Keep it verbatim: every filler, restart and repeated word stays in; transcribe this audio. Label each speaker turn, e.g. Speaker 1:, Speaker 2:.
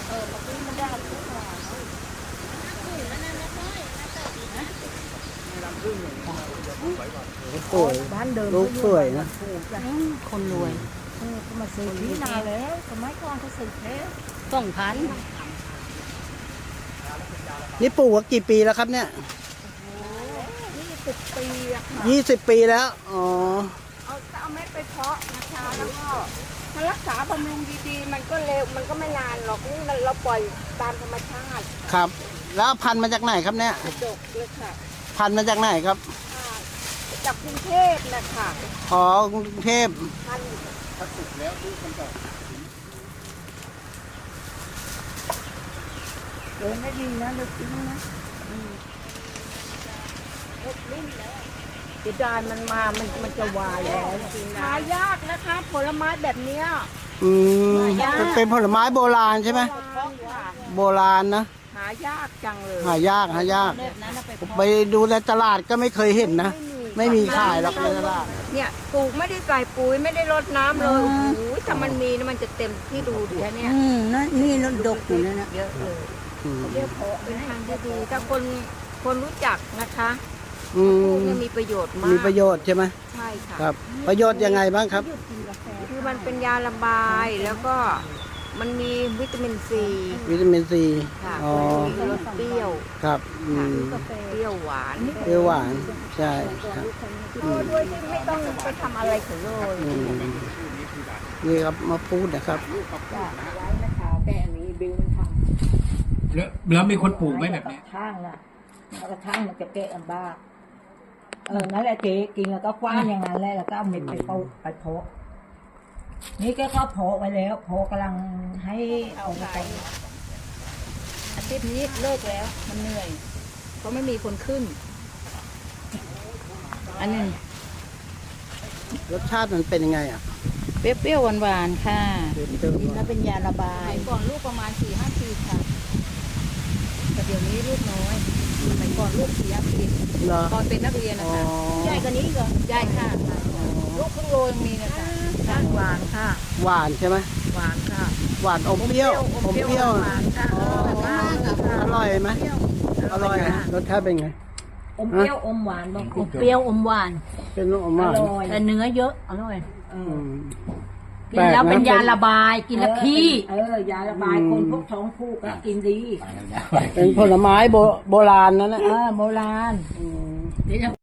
Speaker 1: ออปกติมันได้ทุกอย่าง
Speaker 2: สวย
Speaker 1: บ้านเดิม
Speaker 2: ลูกสวยนะ
Speaker 1: คนรวยเออก็มาซื้อที่นานแล้วสมัยก่อนเขาซื้อแล้ว
Speaker 3: สองพัน
Speaker 2: นี่ปลูกมากี่ปีแล้วครับเนี่ย
Speaker 1: ยี่สิบปีอะค่ะ
Speaker 2: ยี่สิบปีแล้วอ๋อ
Speaker 1: เอาเอาเม็ดไปเพาะนะคะแล้วก็มารักษาบำรุงดีๆมันก็เร็วมันก็ไม่นานหรอกนี่มันเราปล่อยตามธรรมชาติ
Speaker 2: ครับ แล้วพันธุ์มาจากไหนครับเนี่ย
Speaker 1: กระจกเลยค่ะ
Speaker 2: พันธุ์มาจากไหนครับ
Speaker 1: อ่าจากกรุงเทพนะคะ
Speaker 2: อ๋อกรุงเทพ
Speaker 1: พันเดินได้ดีนะลึกจริงนะจะได้มันมา มันมันจะวายแล้วหายากนะคะ ผลไม้แบบเนี้ย
Speaker 2: อืมเป็นเป็นผลไม้โบราณใช่ไหม โบราณนะ
Speaker 1: หายากจังเลย
Speaker 2: หายากหายาก
Speaker 3: แบบนั้นน่ะไป
Speaker 2: ผมไปดูในตลาดก็ไม่เคยเห็นนะ ไม่มีขายหรอกในตลาด
Speaker 1: เนี่ยปลูกไม่ได้ใส่ปุ๋ยไม่ได้รดน้ำเลยโอ้โหถ้ามันมีนะมันจะเต็มที่ดูดิเนี่ย
Speaker 3: อืมนั่นนี่รถดกอยู่นั่นนะ
Speaker 1: เยอะเลย
Speaker 2: อืม
Speaker 1: เรียกเพาะเป็นทางที่ดีถ้าคนคนรู้จักนะคะ
Speaker 2: อื
Speaker 1: ปลู
Speaker 2: ม
Speaker 1: กเนี่ยมีประโยชน์มาก
Speaker 2: มีประโยชน์ใช่ไหม
Speaker 1: ใช่ค่ะ
Speaker 2: ครับ ประโยชน์ยังไงบ้างครับ
Speaker 1: คือมันเป็นยาระบายแล้วก็มันมีวิตามินซี
Speaker 2: วิตามินซี
Speaker 1: ค่ะ
Speaker 2: อ๋อ
Speaker 1: มีรสเปรี้ยว
Speaker 2: ครับอืม
Speaker 1: เปรี้ยวหวาน
Speaker 2: เปรี้ยวหวานใช่ครับ
Speaker 1: โอ้ด้วยที่ไม่ต้องไปทำอะไรเขาเลย
Speaker 2: อืมนี่ครับมาพูดนะครับ
Speaker 1: จ้ะไว้นะคะแค่นี้บิวมันท
Speaker 4: แล้วแล้วมีคนปลูกไหมแบบ
Speaker 1: ำ
Speaker 4: นี้
Speaker 1: ข้างน่ะกระทั่งมันจะแกะอันบ้าเออนั่นแหละเจ๊กินแล้วก็คว้านอย่างนั้นแหละแล้วก็เอาเม็ดไปปลูกไปเพาะนี่ก็เขาเพาะไว้แล้วเพาะกำลังให้เอาไป
Speaker 3: อาทิตย์นี้เลิกแล้วมันเหนื่อยเพราะไม่มีคนขึ้น อันนี้
Speaker 2: รสชาติมันเป็นยังไงอ่ะ
Speaker 3: เปรี้ยวๆหวานๆค่ะ
Speaker 2: เปรี้ยว
Speaker 3: กินแล้วเป็นยาระบายก่อนลูกประมาณสี่ห้าขีดค่ะแต่เดี๋ยวนี้ลูกน้อยสมัยก่อนลูกสี่ห้าขีด
Speaker 2: ๆเหรอ
Speaker 3: ตอนเป็นนักเรียน
Speaker 2: อ๋
Speaker 3: นะ
Speaker 2: อ
Speaker 3: คะใหญ่กว่านี้อีก็ใหญ่ค่ะ ลูกครึ่งโลยังมีนะคะค่ะหวานค่ะ
Speaker 2: หวานใช่ไหม
Speaker 3: หวานค่ะ
Speaker 2: หวานอมเปรี้ยวอมเปรี้ยว
Speaker 3: หวานค่ะ
Speaker 2: อ๋อ อร่อยไหมอร่อยไหมรสชาติเป็นไง
Speaker 1: อมเปรี้ยวอมหวานบางคน
Speaker 3: เปรี้ยวอมหวาน
Speaker 2: เป็นอม
Speaker 1: อ
Speaker 2: มาก
Speaker 1: ร่อย
Speaker 3: แต่เนื้อเยอะอร่อย
Speaker 1: เอ
Speaker 2: อื
Speaker 1: อ
Speaker 2: ม
Speaker 3: กินแล้วเป็นยาระบายกินแล้วขี้
Speaker 1: เออยาระบายคนพวกท้องผูกก็กินดี
Speaker 2: เป็นผลไม้โบโบราณนั่นแหละ
Speaker 1: เออโบราณ
Speaker 2: อืม
Speaker 3: เดี๋ยวจะ